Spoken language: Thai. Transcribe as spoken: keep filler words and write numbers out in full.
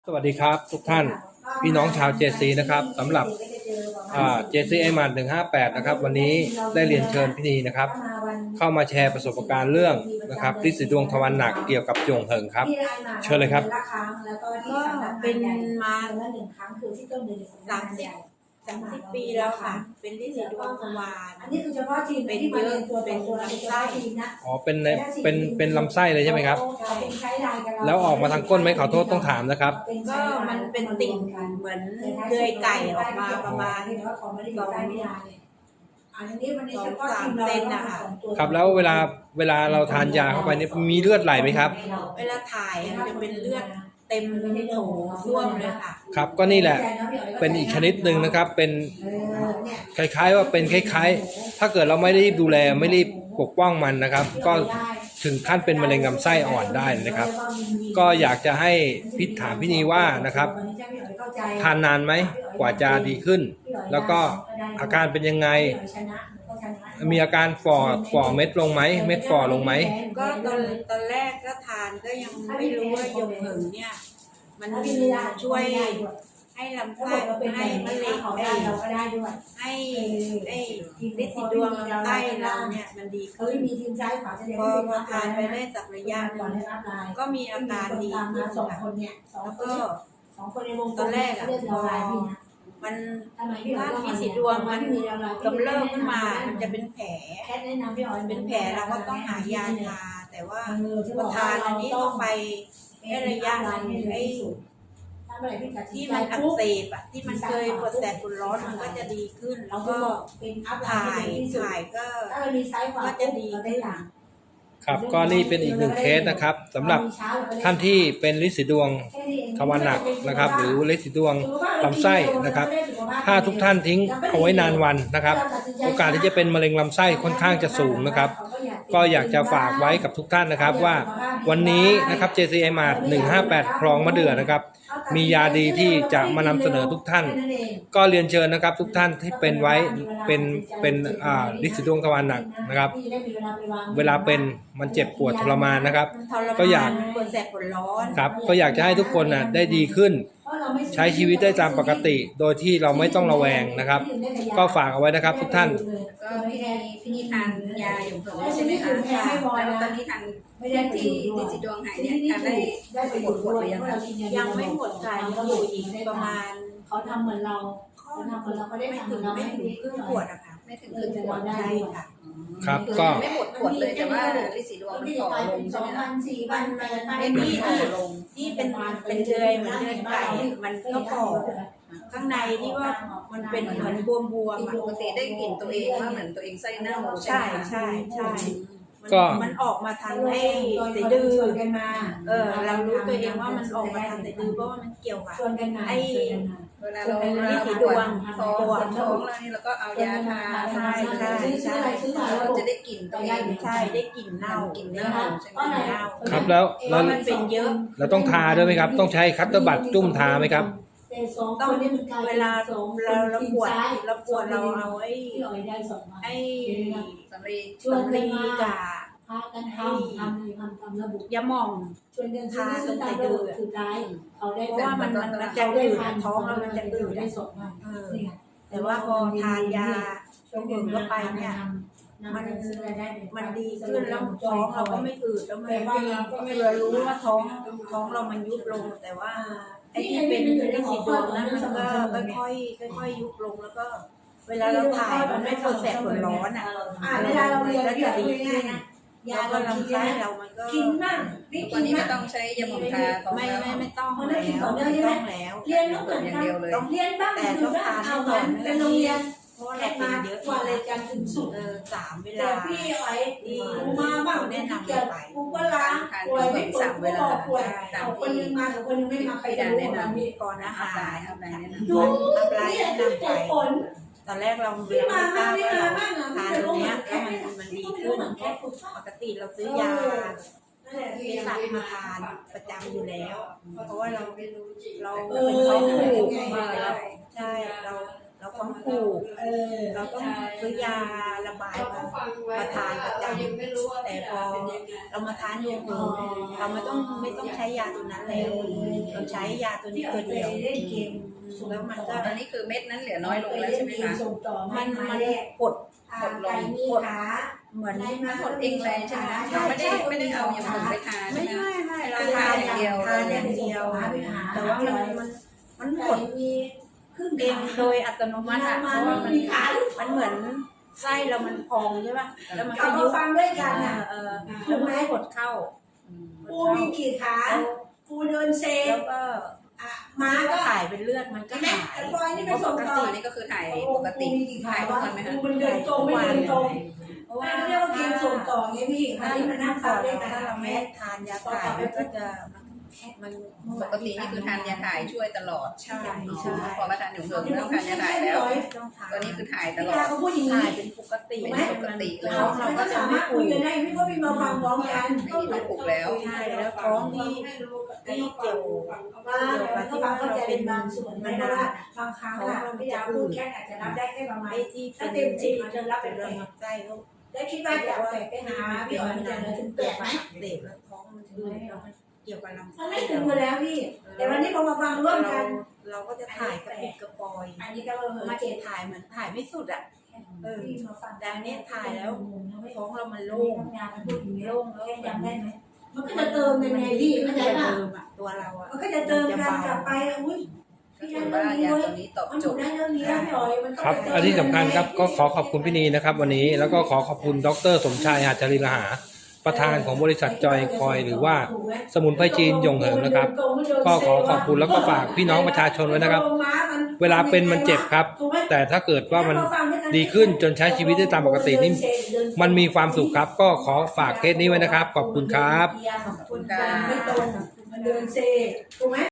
สวัสดีครับทุกท่านพี่น้องชาว เจ ซี นะครับสำหรับ เจ ซี ไอ เอ็ม เอ หนึ่งห้าแปดนะครับวันนี้ได้เรียนเชิญพี่นีนะครับเข้ามาแชร์ประสบการณ์เรื่องนะครับฤทธิ์สีดวงทวารหนักเกี่ยวกับจงเหิงครับเชิญเลยครับก็เป็นมาสามสิบสามสิบปีแล้วค่ะเป็นฤทธิ์สีดวงทวารอันนี้คือเฉพาะทีมเป็นเยอะเป็นลำไส้อ๋อเป็นในเป็นเป็นลำไส้เลยใช่ไหมครับแล้วออกมาทางก้นไหมขอโทษต้องถามนะครับก็มันเป็นติ่งเหมือนเดือยไก่ออกมาประมาณสองสองสามเซนนะคะครับแล้วเวลาเวลาเราทานยาเข้าไปนี่มีเลือดไหลไหมครับเวลาถ่ายมันจะเป็นเลือดเต็มโถส้วมเลยค่ะครับก็นี่แหละเป็นอีกชนิดหนึ่งนะครับเป็นคล้ายๆว่าเป็นคล้ายๆถ้าเกิดเราไม่ได้ดูแลไม่รีบปกป้องมันนะครับก็ถึงขั้นเป็นมะเร็งลำไส้อ่อนได้นะครับก็อยากจะให้พิถามพี่นีว่านะครับทานนานไหมกว่าจะดีขึ้นแล้วก็อาการเป็นยังไงมีอาการฝ่อฝ่อเม็ดลงไหมเม็ดฝ่อลงไหมก็ตอนตอนแรกก็ทานก็ยังไม่รู้ว่ายงเหิงเนี่ยมันช่วยให้ลำไส้ให้มะเร็งได้ให้ไอ้ฤทธิ์สีดวงลำไส้เราเนี่ยมันดีขึ้นพอพอทานไปได้สักระยะหนึ่งก็มีอาการดีขึ้นค่ะแล้วก็ตอนแรกอะพอมันถ้ามีสีดวงมันกำเริบขึ้นมามันจะเป็นแผลเป็นแผลเราก็ต้องหายาทาแต่ว่าพอทานอันนี้ต้องไปให้ระยะนึงไอ้ที่มันอักเสบอะที่มันเคยปวดแสบปวดร้อนมันก็จะดีขึ้นแล้วก็ถ่ายถ่ายก็ก็จะดีขึ้นครับก็นี่เป็นอีกหนึ่งเคสนะครับสำหรับท่านที่เป็นฤทธิ์สีดวงทวารหนักนะครับหรือฤทธิ์สีดวงลำไส้นะครับถ้าทุกท่านทิ้งเอาไว้นานวันนะครับโอกาสที่จะเป็นมะเร็งลำไส้ค่อนข้างจะสูงนะครับก็อยากจะฝากไว้กับทุกท่านนะครับว่าวันนี้นะครับ เจ ซี ไอ เอ็ม เอ หนึ่งห้าแปดคลองมะเดื่อนะครับมียาดีที่จะมานำเสนอทุกท่านก็เรียนเชิญนะครับทุกท่านที่เป็นไว้เป็นเป็นอ่าฤทธิ์สีดวงทวารหนักนะครับเวลาเป็นมันเจ็บปวดทรมานนะครับก็อยากปวดแสบปวดร้อนครับก็อยากจะให้ทุกคนนะได้ดีขึ้นใช้ชีวิตได้ตามปกติโดยที่เราไม่ต้องระแวงนะครับก็ฝากเอาไว้นะครับทุกท่านก็พี่นีพี่นีทานยาอยู่เพิ่มใช่ไหมคะแล้วตอนนี้ทานที่ฤทธิ์สีดวงหายเนี่ยทานได้ได้ไปหมดหมดหรือยังคะยังไม่หมดค่ะยังอยู่อีกประมาณเขาทำเหมือนเราเขาทำเหมือนเราเขาได้ไม่ทำถึงไม่ถึงครึ่งขวดอะค่ะไม่ถึงครึ่งขวดได้ค่ะครับก็ไม่หมดขวดเลยแต่ว่าฤทธิ์สีดวงมันฝ่อลงใช่ไหมคะมันมันที่ที่ที่เป็นเป็นเดือยเหมือนเดือยไก่มันก็ฝ่อข้างในที่ว่ามันเป็นเหมือนบวมบวมปกติได้กลิ่นตัวเองว่าเหมือนตัวเองไส้เน่าใช่ใช่ใช่ก็มันออกมาทางไอ้สะดือเออเรารู้ตัวเองว่ามันออกมาทางสะดือเพราะว่ามันเกี่ยวกับไอ้เวลาเราเราปวดท้องปวดท้องแล้วนี่เราก็เอายาทาใช่ใช่ใช่เราจะได้กลิ่นตัวเองใช่ได้กลิ่นเน่ากลิ่นเน่าใช่ไหมเน่าครับแล้วแล้วมันเป็นเยอะเราต้องทาด้วยไหมครับต้องใช้คัตเตอร์บัตจุ่มทาไหมครับต้องเวลาเราเราปวดเราปวดเราเอาไอ้ไอ้สำลีสำลีกาพากันทำทำทำทำระบุยาหม่องชวนกันทาตรงใส่ดื้อคือได้เขาได้เพราะว่ามันมันจะอืดท้องแล้วมันจะอืดได้สดมากแต่ว่าพอทานยาช่วงอื่นก็ไปเนี่ยมันมันดีขึ้นแล้วท้องเราก็ไม่อืดแล้วมันเรารู้ว่าท้องท้องเรามันยุบลงแต่ว่าไอ้ที่เป็นเรื่องสีดวงนั้นมันก็ค่อยๆค่อยๆยุบลงแล้วก็เวลาเราถ่ายมันไม่ปวดแสบปวดร้อนอ่ะเวลาเราเรียนแล้วจะดีขึ้นแล้วก็ลำไส้เรามันก็กินมากวันนี้ไม่ต้องใช้ยาหม่องทาไม่ไม่ไม่ต้องแล้วไม่ต้องแล้วเรียนต้องเหมือนกันต้องเรียนบ้างแต่ต้องทานให้ก่อนเป็นโรงเรียนเพราะเราเป็นเยอะกว่าเลยกันถึงสุดเออสามเวลาพี่ไอ้กูมาบ้างแนะนำไปกูก็ล้างป่วยไม่ป่วยกูบอกป่วยเอาคนนึงมากับคนนึงไม่มาใครจะรู้ว่ามีก่อนอาหารดูนี่แหละคือเหตุผลตอนแรกเราไม่ทราบว่าทานตัวเนี้ยแล้วมันมันดีขึ้นปกติเราซื้อยาเภสัชมาทานประจำอยู่แล้วเพราะว่าเราเราเป็นท้องผูกมาแล้วใช่เราเราต้องปลูกเออเราต้องซื้อยาระบายมามาทานประจำแต่พอเรามาทานยงเหิงเราไม่ต้องไม่ต้องใช้ยาตัวนั้นแล้วเราใช้ยาตัวนี้ตัวเดียวเล่นเกมแล้วมันก็ตอนนี้คือเม็ดนั้นเหลือน้อยลงแล้วใช่ไหมคะส่งต่อมันมันกดกดลงมีขาเหมือนมันหดเองเลยใช่ไหมคะเราไม่ได้ไม่ได้เอาอย่างอื่นไปทานไม่ใช่ไหมไม่คะไม่เราทานอย่างเดียวทานอย่างเดียว แต่ว่ามันมันมันหดมีครึ่งเองโดยอัตโนมัติอะเพราะว่ามันมันเหมือนไส้เรามันพองใช่ป่ะแล้วมันก็เอายุมาบฟังด้วยกันนะเออแล้วมันก็กดเข้าปูมีกี่ขาปูเดินเซแล้วก็ม้ามันก็ก็ถ่ายเป็นเลือดมันก็แม่หายตะกอยนี่เป็นปส่งกต่อตินี่ก็คือถ่ายปกติมีกี่ขาถ่ายทุกวะวันไหมคะปูมันเดินตรงไม่เดินตรงเพราะว่าเรียกว่าเกมส่งต่อไงพี่อันนี้มันนั่งฟังด้วยกันถ้าเราไม่ทานยาถ่ายมันก็จะมันปกตินี่คือทานยาถ่ายช่วยตลอดใช่อ๋ใช่อพอมาทานหนูเหิงต้องทานยาถ่ายแล้วต้องทานตอนนี้คือถ่ายตพี่ลอดาดเขาพูดอย่างถ่านี้ยเป็นปกติเป็นปกติเลยท้องเรามันก็ก็จะสาไม่มารถปคุวย ดกันได้พี่ก็พี่มาฟังพร้อมกันไม่มีที่ปลุกแล้วใช่แล้วท้องนี่ที่เกี่ยวว่าเราก็ฟังเข้าใจเป็นบางส่วนไม่ว่าบางครั้งอะพี่ดาพูดแค่อาจจะรับได้แค่ประมาณไอ้ที่ถ้าเต็มสิบอาจจะรับเป็นเป็นแปลดมไส้เขาแล้วคิดว่าจะแปดไปหาพี่อ๋อยจะเหลือถึงแปดไหมเด็กแล้วท้องมันดูเกี่ยวกับลำมันไส้ไม่ถึงอยู่แล้วพี่ แต่วันนี้พอมาฟังร่วมกันเราก็จะถ่ายกระปิดกระปอยอันนี้ก็เออมามาเจ็เจ็ดดถ่ายเหมือนถ่ายไม่สุดอ่ะเออมาฟังแต่อันนี้ถ่ายแล้วท้องเรามันโล่โล่งงทำงานมันพูดอย่างนี้โล่งแล้วแค่จำได้ไหมมันก็จะเติมยังไงพี่เข้าใจจะป่ะเติมอ่ะตัวเราอ่ะมันก็จะเติมกันกลับไปอุ้ยก็ถือว่ายาตัวนี้ตอบมันโจถูกทย์ได้เรื่องนี้แล้วพี่อ๋อยมันก็ครับอันที่สำคัญครับก็ขอขอบคุณพี่นีนะครับ วันนี้แล้วก็ขอขอบคุณดรสมชายหาจาริลหาประธานของบริษัทจอยคอยหรือว่าสมุนไพรจีนยงเหิงนะครับ ก็ขอขอบคุณแล้วก็ฝากพี่น้องประชาชนไว้นะครับ เวลาเป็นมันเจ็บครับ แต่ถ้าเกิดว่ามันดีขึ้นจนใช้ชีวิตได้ตามปกตินี่มันมีความสุขครับ ก็ขอฝากเคสนี้ไว้นะครับ ขอบคุณครับขอบคุณค่ะไม่ตรงมันเดินเซถูกไหม